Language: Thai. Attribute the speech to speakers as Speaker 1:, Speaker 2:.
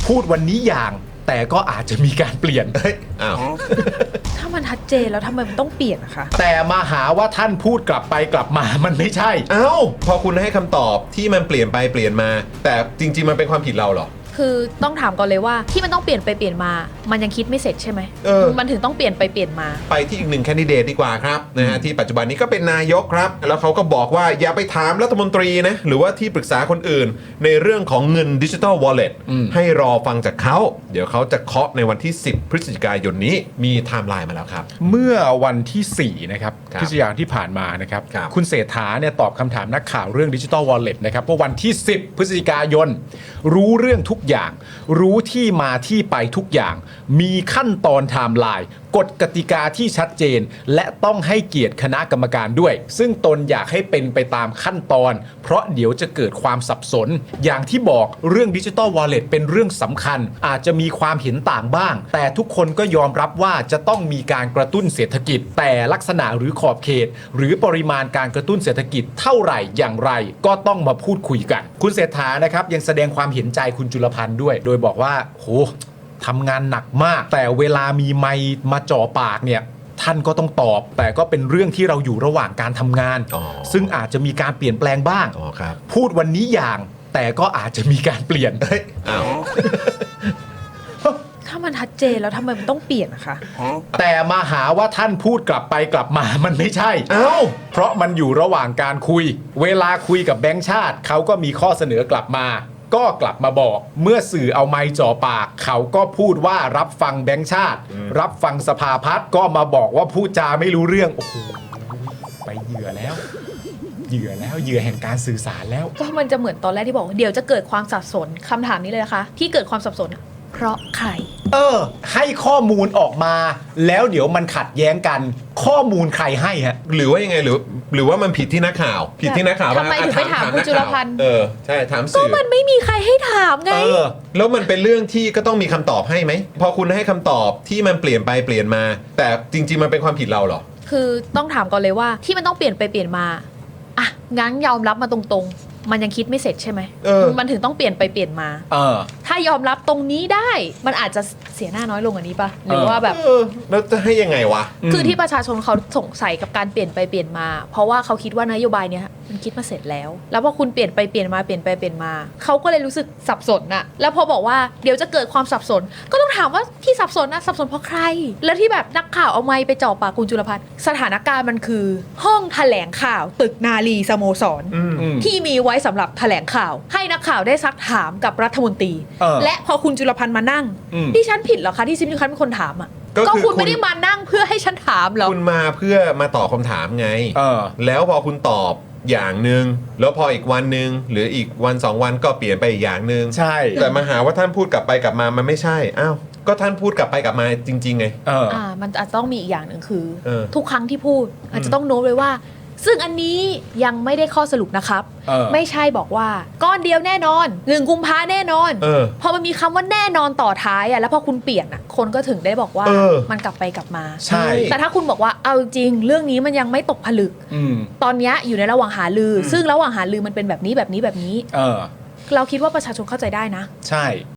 Speaker 1: พูดวันนี้อย่างแต่ก็อาจจะมีการเปลี่ยน
Speaker 2: อ้าว
Speaker 3: ถ้ามันชัดเจนแล้วทำไมมันต้องเปลี่ยนนะคะ
Speaker 1: แต่มาหาว่าท่านพูดกลับไปกลับมามันไม่ใช่
Speaker 2: เอ้าพอคุณให้คำตอบที่มันเปลี่ยนไปเปลี่ยนมา แต่จริงๆมันเป็นความผิดเราเหรอ
Speaker 3: คือต้องถามก่อนเลยว่าที่มันต้องเปลี่ยนไปเปลี่ยนมา มันยังคิดไม่เสร็จใช่ไหม มันถึงต้องเปลี่ยนไปเปลี่ยนมา
Speaker 2: ไปที่อีกหนึ่งแคนดิเดตดีกว่าครับนะฮะที่ปัจจุบันนี้ก็เป็นนายกครับ แล้วเขาก็บอกว่าอย่าไปถามรัฐมนตรีนะหรือว่าที่ปรึกษาคนอื่น ในเรื่องของเงินดิจิทัลวอลเล็ตให้รอฟังจากเขาเดี๋ยวเขาจะเคาะในวันที่ 10 พฤศจิกายนนี้มีไทม์ไลน์มาแล้วครับ
Speaker 1: เมื่อวันที่4นะครับ
Speaker 2: ครับ
Speaker 1: พฤศจิกายนที่ผ่านมานะครับ
Speaker 2: ครับ
Speaker 1: คุณเศรษฐาเนี่ยตอบคำถามนักข่าวเรื่องดิจิทัลวอลเล็ตนะครับว่าวันที่ 10 พฤศจิกายนรู้เรื่องทุกอย่าง รู้ที่มาที่ไปทุกอย่าง มีขั้นตอนไทม์ไลน์กฎกติกาที่ชัดเจน และต้องให้เกียรติคณะกรรมการด้วย ซึ่งตนอยากให้เป็นไปตามขั้นตอน เพราะเดี๋ยวจะเกิดความสับสน อย่างที่บอกเรื่องดิจิทัลวอลเล็ตเป็นเรื่องสำคัญ อาจจะมีความเห็นต่างบ้าง แต่ทุกคนก็ยอมรับว่าจะต้องมีการกระตุ้นเศรษฐกิจ แต่ลักษณะหรือขอบเขต หรือปริมาณการกระตุ้นเศรษฐกิจเท่าไหร่อย่างไร ก็ต้องมาพูดคุยกัน คุณเศรษฐานะครับยังแสดงความเห็นใจคุณจุลพันธ์ด้วย โดยบอกว่าโหทำงานหนักมาก แต่เวลามีไมค์มาจ่อปากเนี่ยท่านก็ต้องตอบ แต่ก็เป็นเรื่องที่เราอยู่ระหว่างการทำงาน ซึ่งอาจจะมีการเปลี่ยนแปลงบ้าง
Speaker 2: อ๋อครับ
Speaker 1: พูดวันนี้อย่างแต่ก็อาจจะมีการเปลี่ยน
Speaker 2: อ้าว
Speaker 3: ถ้ามันชัดเจนแล้วทำไมมันต้องเปลี่ยนนะคะ
Speaker 1: แต่มาหาว่าท่านพูดกลับไปกลับมามันไม่ใช่
Speaker 2: เอ้า
Speaker 1: เพราะมันอยู่ระหว่างการคุย เวลาคุยกับแบงค์ชาติเขาก็มีข้อเสนอกลับมา ก็กลับมาบอก เมื่อสื่อเอาไมค์จ่อปาก เขาก็พูดว่ารับฟังแบงค์ชาติ รับฟังสภาพัฒน์ก็มาบอกว่าพูดจาไม่รู้เรื่องโอ้โหไปเหยื่อแล้ว เหยื่อแห่งการสื่อสารแล้ว
Speaker 3: ก็มันจะเหมือนตอนแรกที่บอกว่าเดี๋ยวจะเกิดความสับสนคำถามนี้เลยนะคะ ที่เกิดความสับสนอะเพราะใคร
Speaker 1: ให้ข้อมูลออกมา แล้วเดี๋ยวมันขัดแย้งกัน ข้อมูลใครให้ฮะ
Speaker 2: หรือว่ายังไงหรือว่ามันผิดที่นักข่าว ผิดที่นักข่าว
Speaker 3: ทำไมถึงไปถามคุณจุลพันธ์
Speaker 2: ใช่ถาม
Speaker 3: ก็
Speaker 2: สื่อ
Speaker 3: มันไม่มีใครให้ถามไง
Speaker 2: แล้วมันเป็นเรื่องที่ก็ต้องมีคำตอบให้ไหมพอคุณให้คำตอบที่มันเปลี่ยนไปเปลี่ยนมา แต่จริง ๆ มันเป็นความผิดเราเหรอ
Speaker 3: คือต้องถามก่อนเลยว่าที่มันต้องเปลี่ยนไปเปลี่ยนมาอ่ะงั้นยอมรับมาตรงๆ มันยังคิดไม่เสร็จใช่ไหม มันถึงต้องเปลี่ยนไปเปลี่ยนมา ถ้ายอมรับตรงนี้ได้ มันอาจจะเสียหน้าน้อยลงกว่านี้ปะหรือว่าแบบ
Speaker 2: แล้วจะให้ยังไงวะ
Speaker 3: คือที่ประชาชนเขาสงสัยกับการเปลี่ยนไปเปลี่ยนมา เพราะว่าเขาคิดว่านโยบายเนี้ยมันคิดมาเสร็จแล้ว แล้วพอคุณเปลี่ยนไปเปลี่ยนมาเปลี่ยนไปเปลี่ยนมาเขาก็เลยรู้สึกสับสนน่ะแล้วพอบอกว่าเดี๋ยวจะเกิดความสับสน ก็ต้องถามว่าที่สับสนนะสับสนเพราะใคร แล้วที่แบบนักข่าวเอาไมค์ไปจ่อปากคุณจุลพันธ์สถานการณ์มันคือ ห้องแถลงข่าวตึกนาลีสโมสรที่มีไว้สำหรับแถลงข่าว ให้นักข่าวได้ซักถามกับรัฐมนตรี และพอคุณจุลพันธ์มานั่งดิฉันผิดเหรอคะที่ซิมดิฉันเป็นคนถามอ่ะ
Speaker 2: ก็คือ
Speaker 3: คุณไม่ได้มานั่งเพื่อให้ฉันถามเหรอ
Speaker 2: คุณมาเพื่อมาตอบคำถามไง แล้วพอคุณตอบอย่างหนึ่งแล้วพออีกวันหนึ่งหรืออีกวัน2 วันก็เปลี่ยนไปอีกอย่างหนึ่ง
Speaker 1: ใช่
Speaker 2: แต่มาหาว่าท่านพูดกลับไปกลับมามันไม่ใช่อ้าวก็ท่านพูดกลับไปกลับมาจริงๆไง
Speaker 3: มันอาจจะต้องมีอีกอย่างหนึ่งคือ
Speaker 2: ทุ
Speaker 3: ทุกครั้งที่พูดอาจจะต้องโน้ตไว้ว่า ซึ่งอันนี้ยังไม่ได้ข้อสรุปนะครับ ไม่ใช่บอกว่าก้อนเดียวแน่นอน1 กุมภาแน่นอนพอมันมีคำว่าแน่นอนต่อท้ายอ่ะแล้วพอคุณเปลี่ยนอ่ะคนก็ถึงได้บอกว่ามันกลับไปกลับมา
Speaker 1: ใช่
Speaker 3: แต่ถ้าคุณบอกว่าเอาจริงเรื่องนี้มันยังไม่ตกผลึกตอนนี้อยู่ในระหว่างหารือซึ่งระหว่างหารือมันเป็นแบบนี้แบบนี้แบบนี้เราคิดว่าประชาชนเข้าใจได้นะ
Speaker 1: ใช่